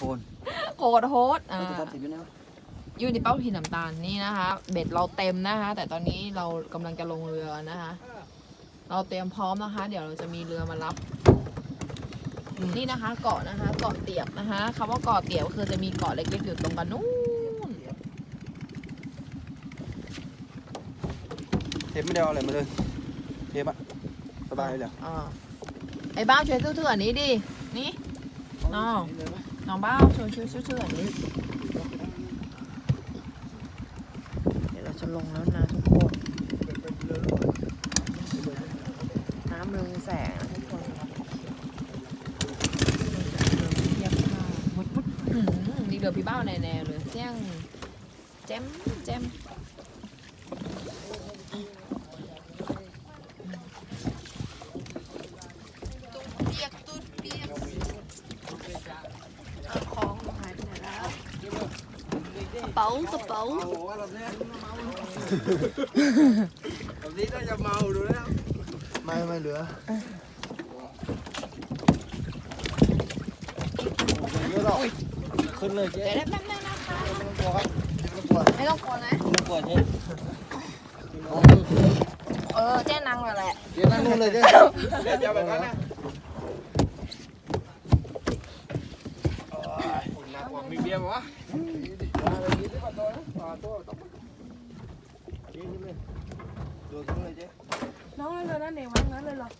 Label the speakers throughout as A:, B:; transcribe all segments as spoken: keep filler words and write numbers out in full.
A: น
B: โคตรโฮสอ่าอยู่ในเป้าหินน้ำตาลนี่นะคะ เบ็ดเราเต็มนะคะ แต่ตอนนี้เรากำลังจะลงเรือนะคะ เราเตรียมพร้อมนะคะ เดี๋ยวเราจะมีเรือมารับนี่นะคะ เกาะนะคะเกาะเตียบนะคะคำว่าเกาะเตียบคือจะมีเกาะเล็กๆอยู่ตรงกันนู้น
A: เทปไม่ได้เอาอะไรมาเลยเทปอะสบายเลย
B: อ่าไอ้บ้าช่วยซื้อๆอันนี้ดินี่น้องน้องบ้าช่วยช่วยซื้อๆอันนี้เดี๋ยวเราจะลงแล้วนะทุกคนน้ำเรืองแสงนะทุกคนเทียบท่ามุดมุดนี่เรือพี่เบ้าแน่ๆเลยเสี่ยงแจมแจมเปียกตุ๊ดเปียกของหายไปไหนแล้วกระเป๋ากระเป๋า
A: แบบนี้น่าจะเมาดูแล้วไม่ไม่เหลือเยอะหรอกขึ้นเลยเจ๊
B: เดี๋ยวแป๊บนึงนะคะ
A: ไม่ต้องกลัวครับไม่ต้องกลัว
B: ไม่ต้องกลัวนะ
A: ไม่ต้องกลัวเจ๊
B: เออเจ๊นั่งเลยแหละ
A: เจ๊นั่งนู่นเลยเจ๊เจ๊จะแบบนั้นนะหนักกว่ามีเบียร์มั้วะ
B: น้องเลยนั่นเองมั้งนั่นเลยเหรอ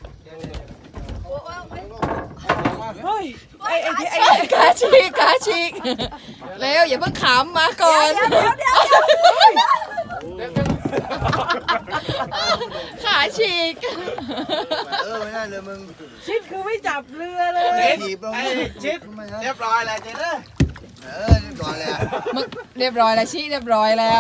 B: เฮ้ยไอ้ไอ้ไอ้กาชิกกาชิกเร็วอย่าเพิ่งขำมาก่อนขาฉีก
A: เออไม่ได้เลยมึง
B: ชิดคือไม่จับเรือเลย
A: ถีบลงชิดเรียบร้อยแล้วเจ๊เด้อเออเรียบร้อยแล้ว
B: มึงเรียบร้อยแล้วชิเรียบร้อยแล้ว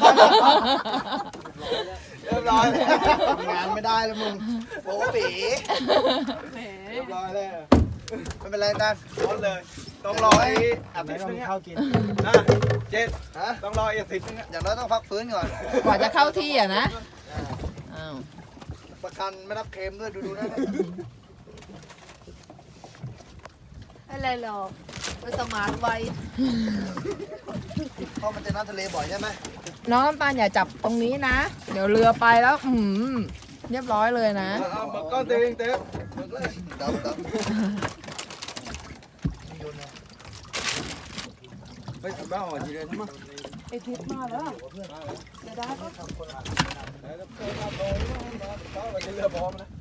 A: เรียบร้อยแล้วงานไม่ได้แล้วมึงโป๊ปีเรียบร้อยแล้วไม่เป็นไรกันร้อนเลยต้องรอไอ้อาทิตย์นึงเข้ากินนะเจ็ดฮะต้องรออาทิตย์นึงอย่างน้อยต้องพักฟื้นก่อน
B: กว่าจะเข้าที่อ่ะนะอ้าว
A: ประกันไม่รับเค็มด้วยดูดูนะ
B: อะไรหรอกไปสมาร์ทไว้
A: เพราะมันจะน้ำทะเลบ่อยใช่ไหม
B: น้องน้ำตาลอย่าจับตรงนี้นะเดี๋ยวเรือไปแล้วอืมเรียบร้อยเลยนะ
A: เอาก้อนเต็มเต็มดับดับไปทำบ้าหัวจีเรนใช่ไหม
B: ไอทิพย์มาแล้วจะได้ปะ
A: เรือพร้อมนะ